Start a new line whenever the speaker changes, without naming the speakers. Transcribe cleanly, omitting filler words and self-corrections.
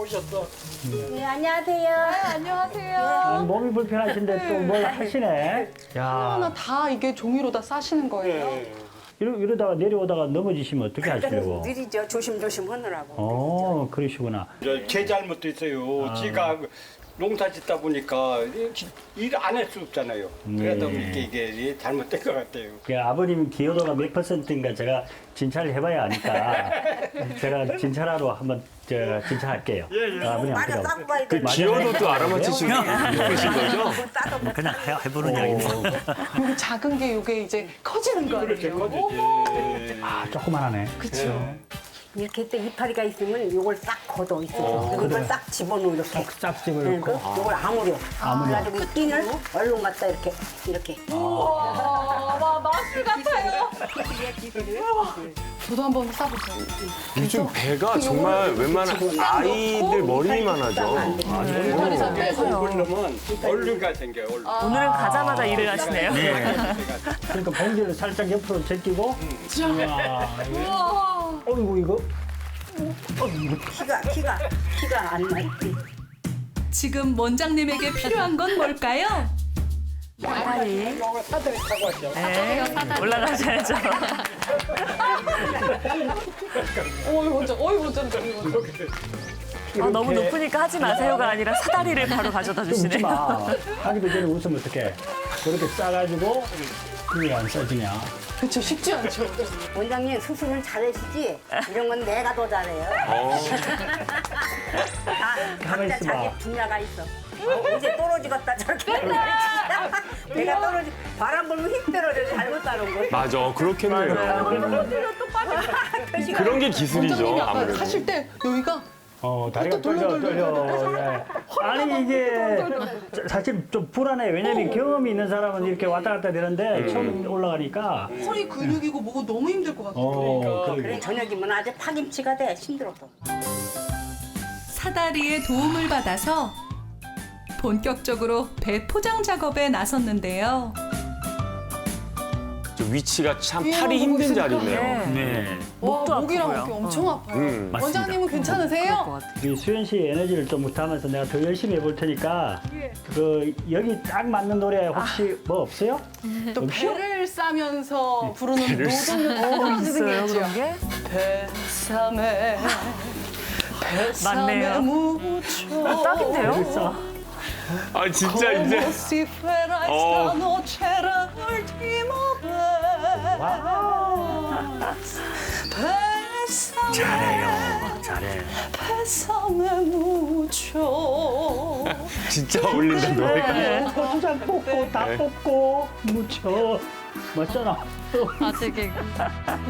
오셨어.
네, 안녕하세요.
안녕하세요.
몸이 불편하신데 또 뭘 하시네. 야,
하나 다 이게 종이로 다 싸시는 거예요?
네.
이러다가 내려오다가 넘어지시면 어떻게 하시려고?
느리죠. 조심조심 하느라고.
그러시구나.
제 잘못도 있어요. 제가 농사 짓다 보니까 일 안 할 수 없잖아요. 그러다 보니까 이게 잘못된 것 같아요.
그 아버님 기여도가 몇 %인가 제가 진찰을 해봐야 아니까 제가 진찰하러 한번 진찰할게요. 아버님
맞아,
앞에서.
딱 봐야 돼.
기여도도 알아맞히시고 계신 거죠?
그냥 해보는 이야기인데.
여기 작은 게 이게 이제 커지는 거 아니에요?
아, 조그만하네.
그렇죠.
이렇게 또 이파리가 있으면 요걸 싹 걷어 있어. 이걸 싹 집어넣어 이렇게.
싹 집어넣고.
요걸 아무려.
아무려.
그래가지고 이 끈을 얼른 갖다 이렇게.
와, 마술 같아요. 저도 한번 싸보세요.
요즘 배가 정말 웬만한 아이들 머리만 하죠.
이파리 잡혀서.
그러면 얼른가 생겨요. 얼른.
오늘은 가자마자 일을 하시네요.
그러니까 봉지를 살짝 옆으로 제끼고.
우와.
어이구, 이거.
키가 안 나.
지금 원장님에게 필요한 건 뭘까요?
사다리.
사다리 타고 왔죠.
네, 올라가셔야죠.
어이, 원장.
너무 높으니까 하지 마세요가 아니라 사다리를 바로 가져다
좀 웃지
주시네요.
마. 하기도 전에 웃으면 어떡해. 그렇게 싸가지고 그게 안 써지냐.
그렇죠. 쉽지 않죠.
원장님 수술은 잘하시지? 이런 건 내가 더 잘해요.
가만히
각자
있어봐.
자기 분야가 있어. 이제 떨어지겠다 저렇게. 내가 떨어지 바람 불면 힘 떨어져 잘못 따는 거.
맞아, 그렇겠네요. 그런 게
원장님이
기술이죠,
아까
아무래도.
하실 때 여기가
다리가 떨려. 예. 아니, 이게 사실 좀 불안해. 왜냐면 경험이 있는 사람은 이렇게 왔다 갔다 되는데 처음 올라가니까.
허리 근육이고 뭐고 너무 힘들 것 같아요.
그래 저녁이면 아주 파김치가 돼 힘들어도.
사다리의 도움을 받아서 본격적으로 배 포장 작업에 나섰는데요.
저 위치가 참 팔이 힘든 자리네요.
네.
와,
목도
목이랑
아프고요.
어깨 엄청 아파요.
맞습니다.
원장님은 괜찮으세요?
이 수현 씨의 에너지를 좀 담아서 내가 더 열심히 해볼 테니까 여기 딱 맞는 노래 혹시 뭐 없어요?
또
없죠?
배를 싸면서 부르는 노동요
있어요, 그런 게?
배삼에
맞네요.
무초
딱인데요?
그래서
아, 진짜 이제. 어.
잘해.
배삼에 무초
진짜 어울린다, 노래가.
고추장 뽑고 다 뽑고 묻혀. 맞잖아.
아, 되게.